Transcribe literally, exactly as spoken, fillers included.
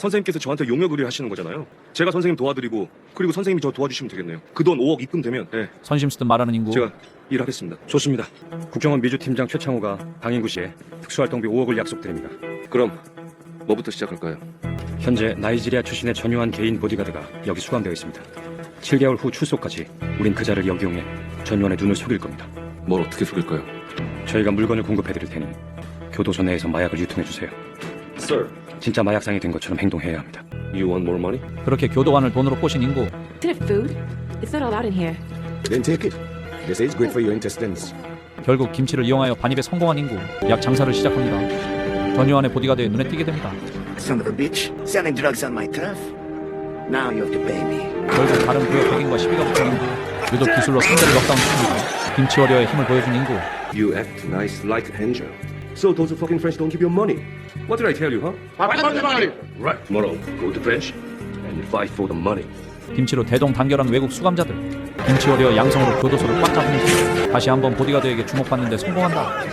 선생님께서 저한테 용역 의뢰 하시는 거잖아요. 제가 선생님 도와드리고 그리고 선생님이 저 도와주시면 되겠네요. 그 돈 오억 입금되면 네, 선심 쓰듯 말하는 인구. 제가 일하겠습니다. 좋습니다. 국정원 미주 팀장 최창호가 강인구 씨에 특수활동비 오억을 약속드립니다. 그럼 뭐부터 시작할까요? 현재 나이지리아 출신의 전유한 개인 보디가드가 여기 수감되어 있습니다. 칠 개월 후 출소까지 우린 그 자를 역이용해 전유한의 눈을 속일 겁니다. 뭘 어떻게 속일까요? 저희가 물건을 공급해드릴 테니 교도소 내에서 마약을 유통해주세요. Sir, 진짜 마약상이 된 것처럼 행동해야 합니다. you want more money? 그렇게 교도관을 돈으로 꼬신 인구. Isn't it food? It's not allowed in here. Then take it. This is good for your intestines. 결국 김치를 이용하여 반입에 성공한 인구. 약 장사를 시작합니다. 전유한의 보디가드에 눈에 띄게 됩니다. Son of a bitch, selling drugs on my turf. Now you have to pay me. 결국 다른 구역 백인과 시비가 붙은 인구. 유독 기술로 상대를 넉다운시킵니다. 김치 워리어의 힘을 보여준 인구. You act nice like an angel. So those fucking French don't give you money. What did I tell you, huh? Right. Tomorrow, go to French and fight for the money. 김치로 대동단결한 외국 수감자들. 김치 워리어 양성으로 교도소를 꽉 잡는 중. 다시 한번 보디가드에게 주목받는데 성공한다.